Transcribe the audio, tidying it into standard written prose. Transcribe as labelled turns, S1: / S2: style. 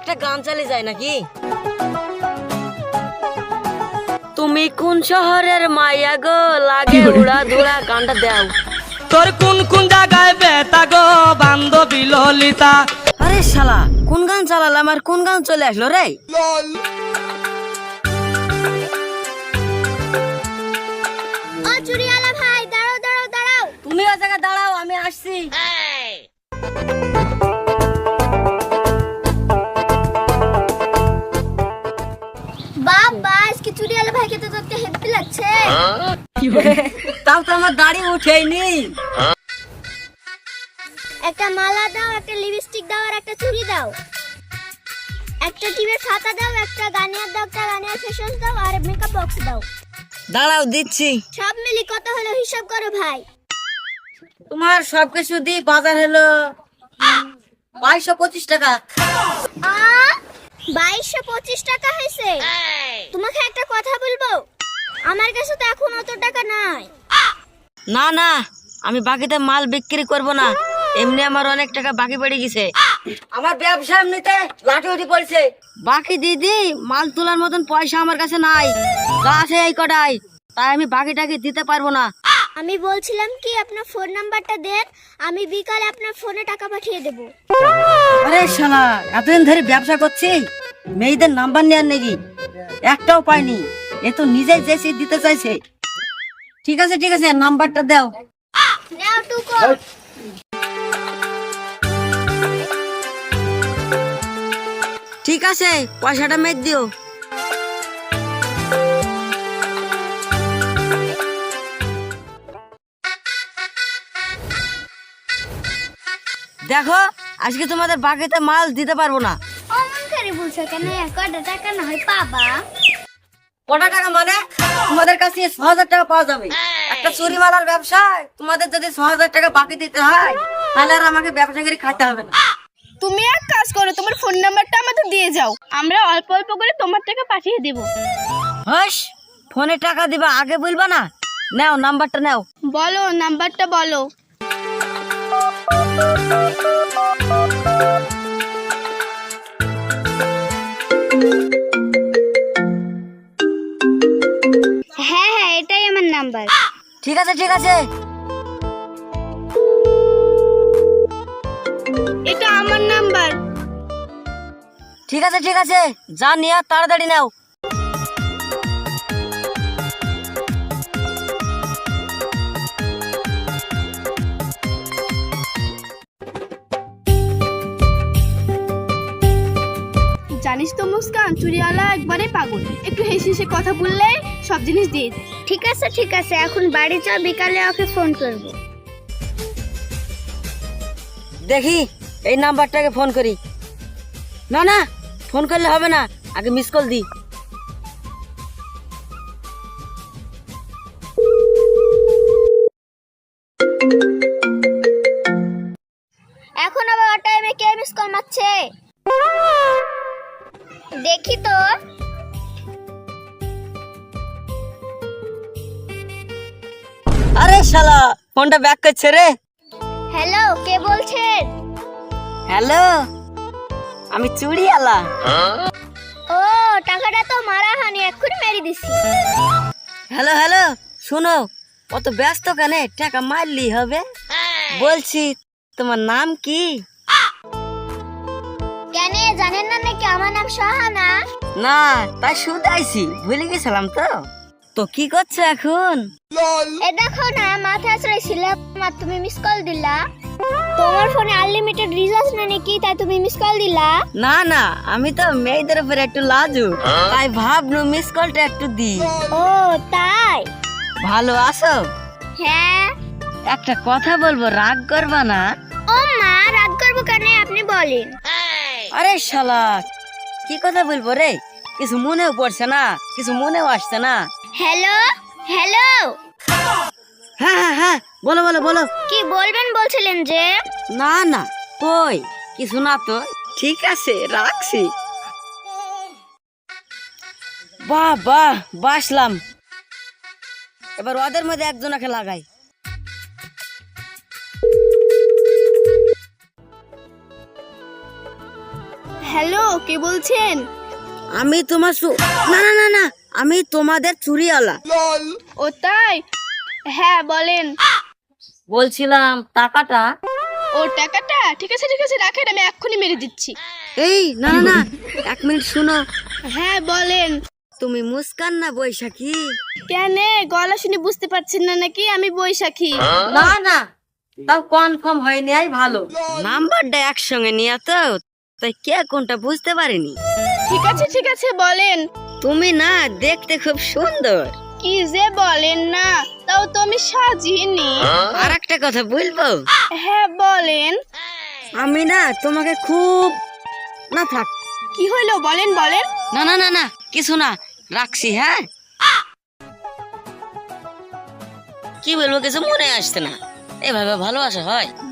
S1: একটা গান চালিয়ে যায় নাকি? তুমি কোন শহরের মাইয়া গো, লাগে উড়া ধুরা, গানটা দাও।
S2: তোর কোন কোন জায়গায় বেতা গো বান্ধবী ললিতা।
S1: আরে শালা, কোন গান চালালাম আর কোন গান চলে আসলো রে?
S3: ও চুরিওয়ালা ভাই, দাঁড়াও দাঁড়াও দাঁড়াও।
S1: তুমি ওই জায়গায় দাঁড়াও, আমি আসছি।
S3: বাবা, আজকে চুরিওয়ালা ভাইকে তো দেখতে হেব্বি লাগছে।
S1: তাও তো আমার দাড়ি উঠেইনি।
S3: একটা মালা দাও, একটা লিপস্টিক দাও আর একটা চুড়ি দাও। একটা টিপের খাতা দাও, একটা গানিয়ার দাও, একটা গানিয়ার ফেস ওয়াশ দাও আর মেকআপ বক্স দাও।
S1: দাঁড়াও, দিচ্ছি।
S3: সব মিলি কত হলো হিসাব করো ভাই।
S1: তোমার সবকিছু দি বাজার হলো 2225 টাকা।
S3: 2225 টাকা হয়েছে। তোমাকে একটা কথা বলবো, আমার কাছে তো এখন অত টাকা নাই।
S1: না না, আমি বাকিতে মাল বিক্রি করব না, এমনি আমার অনেক টাকা বাকি পড়ে গেছে। আমার ব্যবসা এমনিতে লাঠি উঠি পড়ছে। বাকি দিদি, মাল তোলার মতন পয়সা আমার কাছে নাই, যা আছে এই কটাই, তাই আমি বাকিটাকে দিতে পারবো না।
S3: আমি বলছিলাম কি, আপনার ফোন নাম্বারটা দেন, আমি বিকালে আপনার ফোনে টাকা পাঠিয়ে দেব।
S1: আরে শালা, এতদিন ধরে ব্যবসা করছি, মেয়েদের নাম্বার নেওয়ার নাকি একটাও পাইনি। এ তো নিজেই যেসে দিতে চাইছে। ঠিক আছে ঠিক আছে, নাম্বারটা দাও।
S3: নাও টুকো।
S1: ঠিক আছে, পয়সাটা মেরে দিও। দেখো, আজকে তোমাদের বাকিতে মাল দিতে পারবো না।
S3: অমন করে বলছো কেন? কটা টাকা না হয় পাবা।
S1: কটা টাকা মানে? তোমাদের কাছে 6000 টাকা পাওয়া যাবে। একটা চুরি মালার ব্যবসায় তোমাদের যদি 6000 টাকা বাকি দিতে হয়, তাহলে আর আমাকে ব্যবসা করে খাইতে হবে না।
S4: তুমি এক কাজ করো, তোমার ফোন নাম্বারটা আমাদের দিয়ে যাও, আমরা অল্প অল্প করে তোমার টাকা পাঠিয়ে দেব।
S1: হস, ফোনে টাকা দিবা আগে বলবা না? নাও, নাম্বারটা নাও।
S4: বলো, নাম্বারটা বলো।
S3: হ্যাঁ হ্যাঁ, এটাই আমার নাম্বার।
S1: ঠিক আছে ঠিক আছে।
S4: এটা আমার নাম্বার।
S1: ঠিক আছে ঠিক আছে, যা নিয়ে তাড়াতাড়ি নাও।
S4: জানিস তো মুস্কান, চুরিওয়ালা একবারে পাগল, একটু হেসে হেসে কথা বললেই সব জিনিস দিয়ে দেয়।
S3: ঠিক আছে, এখন বাড়ি যাও, বিকালে ওকে ফোন করব।
S1: দেখি এই নাম্বারটাকে ফোন করি। না না, ফোন করলে হবে না, আগে মিস কল দি।
S3: এখন আবার ও টাইমে কে মিস কল মারছে? দেখি তো।
S1: আরে শালা, ফোনটা ব্যাক করছে রে।
S3: হ্যালো, কে বলছেন?
S1: হ্যালো, আমি চুড়িওয়ালা।
S3: ও, টাকাটা তো মারা হয়নি, এক্ষুনি মেরে দিছি।
S1: হ্যালো হ্যালো, শুনো, অত ব্যস্ত কেন? টাকা মারলি হবে। বলছি, তোমার নাম কি?
S3: কেন, জানেন না নাকি আমার নাম শাহানা?
S1: না, তাই শুধাইছি, ভুলে গেছিলাম তো। তো কি করছো এখন?
S3: এ দেখো না, মাথা ছিলাম আর তুমি মিস কল দিলা। তোমার ফোনে আনলিমিটেড রিচার্জ না নাকি, তাই তুমি মিস কল দিলা?
S1: না না, আমি তো মেয়েদের উপর একটু লাজু, তাই ভাবনু মিস কলটা একটু দি।
S3: ও তাই?
S1: ভালো আছো?
S3: হ্যাঁ।
S1: একটা কথা বলবো, রাগ করবা না?
S3: ও মা, রাগ করবো কেন, আপনি বলেন।
S1: আরে শালা, কি কথা বলবো রে? কিছু মনেও পড়ছে না, কিছু মনেও আসছে না।
S3: হ্যালো হ্যালো,
S1: হ্যাঁ হ্যাঁ হ্যাঁ, বলো বলো বলো।
S3: কি বলবেন বলছিলেন যে?
S1: না না, কই কিছু না তো। ঠিক আছে, রাখছি। বাহ বাহ, বাসলাম। এবার ওদের মধ্যে একজনকে লাগাই।
S4: হ্যালো, কে বলছেন?
S1: আমি তোমার না না না না, আমি তোমাদের চুরিওয়ালা।
S4: ও তাই? হ্যাঁ বলেন।
S1: বলছিলাম টাকাটা।
S4: ও টাকাটা? ঠিক আছে রাখেন, আমি এক্ষুনি মেরে দিচ্ছি।
S1: এই না না না, 1 মিনিট শুনো।
S4: হ্যাঁ বলেন।
S1: তুমি মুস্কান না বৈশাখী?
S4: কেন, গলা শুনে বুঝতে পারছেন না নাকি আমি বৈশাখী?
S1: না না, তাও কনফার্ম হয়নি, আই ভালো। নাম্বারটা একসঙ্গে নিয়ে তো, তাই কে কোনটা বুঝতে পারিনি।
S4: ঠিক আছে বলেন।
S1: তুমি না দেখতে খুব সুন্দর।
S4: কি যে বলেন না, তাও তো আমি সাজিনি।
S1: আর একটা কথা বলবো?
S4: হ্যাঁ বলেন।
S1: আমি না তোমাকে খুব না থাক।
S4: কি হইলো বলেন বলেন।
S1: না না না না, কিছু না, রাখছি। হ্যাঁ, কি বলবো কিছু মনে আসছে না। এভাবে ভালোবাসা হয়?